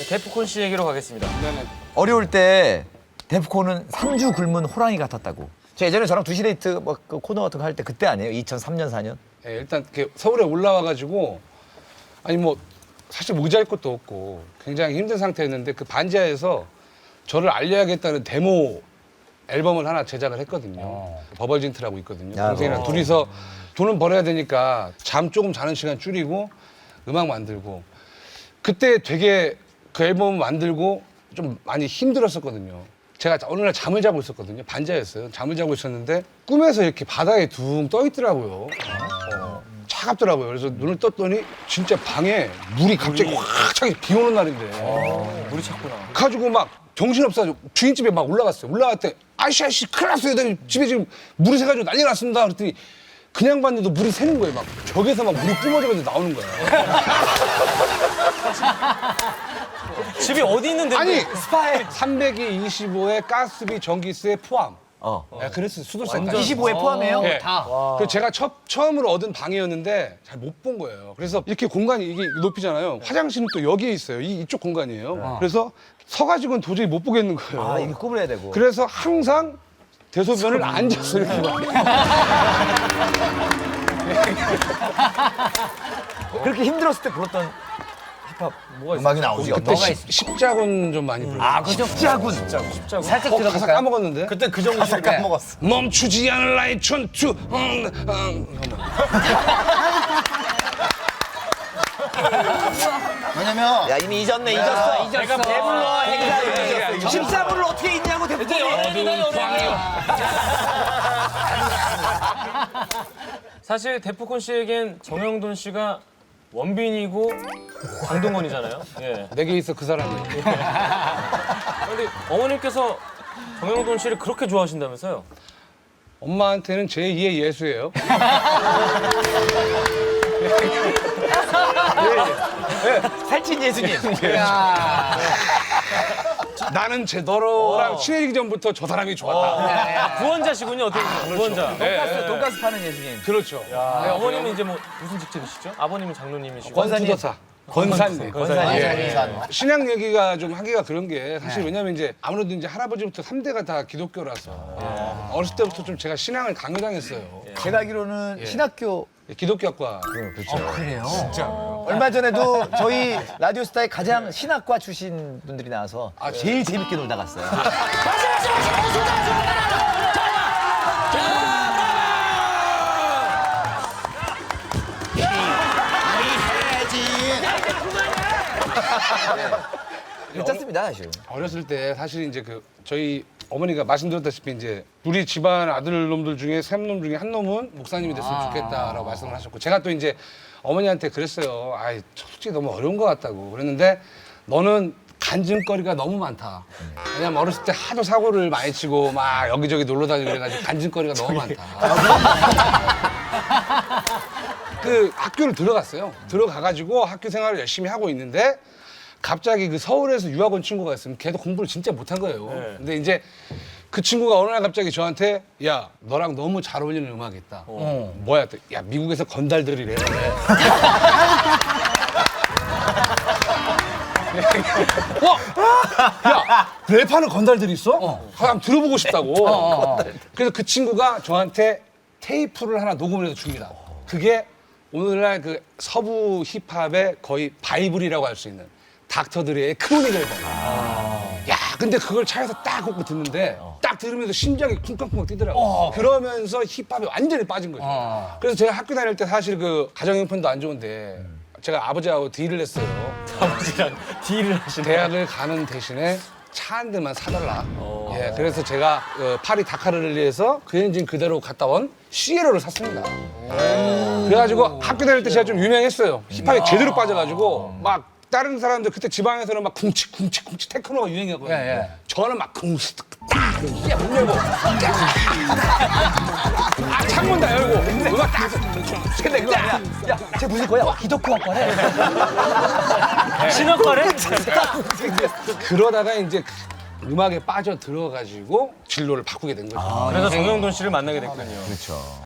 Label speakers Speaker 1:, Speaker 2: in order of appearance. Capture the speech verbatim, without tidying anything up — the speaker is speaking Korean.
Speaker 1: 데프콘 씨 얘기로 가겠습니다.
Speaker 2: 네네.
Speaker 3: 어려울 때 데프콘은 삼 주 굶은 호랑이 같았다고. 저 예전에 저랑 두시데이트 뭐 그 코너 같은 거 할 때 그때 아니에요? 이천삼 년, 사 년?
Speaker 2: 예, 일단 이렇게 서울에 올라와가지고 아니 뭐 사실 모자랄 것도 없고 굉장히 힘든 상태였는데 그 반지하에서 저를 알려야겠다는 데모 앨범을 하나 제작을 했거든요. 버벌진트라고 있거든요.
Speaker 3: 야,
Speaker 2: 동생이랑
Speaker 3: 어.
Speaker 2: 둘이서 돈은 벌어야 되니까 잠 조금 자는 시간 줄이고 음악 만들고 그때 되게 그 앨범 만들고 좀 많이 힘들었었거든요. 제가 어느 날 잠을 자고 있었거든요. 반지하였어요. 잠을 자고 있었는데 꿈에서 이렇게 바다에 둥 떠 있더라고요. 어, 차갑더라고요. 그래서 눈을 떴더니 진짜 방에 물이 갑자기 확 차게 비 오는 날인데
Speaker 1: 물이 찼구나.
Speaker 2: 가지고 막 정신없어가지고 주인집에 막 올라갔어요. 올라갔더니 아이씨 아이씨 큰일 났어요. 나 집에 지금 물이 새가지고 난리 났습니다. 그랬더니 그냥 봤는데도 물이 새는 거예요. 막 벽에서 막 물이 뿜어져가지고 나오는 거예요.
Speaker 1: 집이 어디 있는데?
Speaker 2: 아니 스파에 삼백이십오에 가스비 전기세 포함.
Speaker 3: 어.
Speaker 2: 네, 그랬어요. 수도세까지.
Speaker 3: 이십오에 포함해요?
Speaker 2: 네. 그 제가 첫, 처음으로 얻은 방이었는데 잘 못 본 거예요. 그래서 이렇게 공간이 이게 높이잖아요. 화장실은 또 여기에 있어요. 이, 이쪽 공간이에요. 그래서 서가지고는 도저히 못 보겠는 거예요.
Speaker 3: 아, 이게 구분해야 되고.
Speaker 2: 그래서 항상 대소변을 앉아서 이렇게 막.
Speaker 3: 그렇게 힘들었을 때 불렀던 힙합 음악이 나오지.
Speaker 2: 그때 십, 십자군 좀 많이 불렀어요.
Speaker 3: 아, 그죠? 십자군.
Speaker 1: 십자군.
Speaker 4: 살짝
Speaker 2: 어, 가사
Speaker 4: 들어볼까요?
Speaker 2: 까먹었는데?
Speaker 3: 그때 그 정도 가사 까먹었어.
Speaker 2: 멈추지 않을 나의 전투. 음, 음.
Speaker 4: 왜냐면
Speaker 3: 야, 이미 잊었네, 잊었어.
Speaker 4: 잊었어.
Speaker 3: 내가 배불러, 행사를 잊었어. 십사분을 어떻게 잊냐고 대표님.
Speaker 1: 사실 데프콘 씨에겐 정영돈 씨가 원빈이고 강동원이잖아요. 예.
Speaker 2: 내게 있어 그 사람이.
Speaker 1: 근데 어머님께서 정영돈 씨를 그렇게 좋아하신다면서요?
Speaker 2: 엄마한테는 제이의 예수예요.
Speaker 3: 살찐 예수님.
Speaker 2: 나는 제 너랑 친해지기 전부터 저 사람이 좋았다.
Speaker 1: 구원자시군요. 어떻게 보면 구원자.
Speaker 3: 돈가스, 돈가스 파는 예수님.
Speaker 2: 그렇죠.
Speaker 1: 네, 어머님은 이제 뭐 무슨 직책이시죠? 아버님은 장로님이시고.
Speaker 2: 권투도사. 권사님.
Speaker 1: 권사님.
Speaker 2: 예. 신앙 얘기가 좀 하기가 그런 게 사실 왜냐면 이제 아무래도 이제 할아버지부터 삼 대가 다 기독교라서 어렸을 때부터 좀 제가 신앙을 강요당했어요.
Speaker 3: 제가 알기로는 신학교
Speaker 2: 기독교학과.
Speaker 4: 그래요?
Speaker 3: 얼마 전에도 저희 라디오스타에 가장 신학과 출신 분들이 나와서 제일 재밌게 놀다 갔어요. 괜찮습니다, 사실.
Speaker 2: 어렸을 때 사실 이제 그 저희 어머니가 말씀드렸다시피 이제 우리 집안 아들 놈들 중에 세 놈 중에 한 놈은 목사님이 됐으면 좋겠다라고 말씀을 하셨고 제가 또 이제 어머니한테 그랬어요. 아이 솔직히 너무 어려운 것 같다고 그랬는데 너는 간증거리가 너무 많다. 왜냐면 어렸을 때 하도 사고를 많이 치고 막 여기저기 놀러 다니고 그래가지고 간증거리가 너무 많다. 그 학교를 들어갔어요. 들어가가지고 학교 생활을 열심히 하고 있는데 갑자기 그 서울에서 유학원 친구가 있으면 걔도 공부를 진짜 못한 거예요.
Speaker 1: 네.
Speaker 2: 근데 이제 그 친구가 어느 날 갑자기 저한테 야 너랑 너무 잘 어울리는 음악이 있다. 어. 뭐야? 또, 야 미국에서 건달들이래. 어? 야 랩하는 건달들이 있어? 어. 한번 들어보고 싶다고. 그래서 그 친구가 저한테 테이프를 하나 녹음을 해서 줍니다. 그게 오늘날 그 서부 힙합의 거의 바이블이라고 할 수 있는 닥터드레의 크로닉 앨범. 야, 근데 그걸 차에서 딱 꽂고 듣는데 딱 들으면서 심장이 쿵쾅쿵쾅 뛰더라고. 그러면서 힙합에 완전히 빠진 거죠. 그래서 제가 학교 다닐 때 사실 그 가정 형편도 안 좋은데 제가 아버지하고 딜을 했어요.
Speaker 1: 아버지랑 딜을 하시네.
Speaker 2: 대학을 가는 대신에 차 한 대만 사달라. 예, 그래서 제가 어, 파리 다카르를리에서 그 엔진 그대로 갔다 온 시에로를 샀습니다. 그래가지고 학교 다닐 때 제가 좀 유명했어요. 힙합에 제대로 빠져가지고 막 다른 사람들 그때 지방에서는 막 쿵치 쿵치 쿵치 테크노가 유행이었거든요.
Speaker 4: 예, 예.
Speaker 2: 저는 막 쿵치 딱 야, 문 열고 아 창문 다 열고 음악 딱
Speaker 3: 근데 그거 아니야. 야, 쟤 무슨 거야? 와, 기독교학과래.
Speaker 1: 신학과래?
Speaker 2: 그러다가 이제 음악에 빠져 들어가지고 진로를 바꾸게 된 거죠.
Speaker 1: 그래서 정영돈 씨를 만나게 됐군요.
Speaker 3: 그렇죠.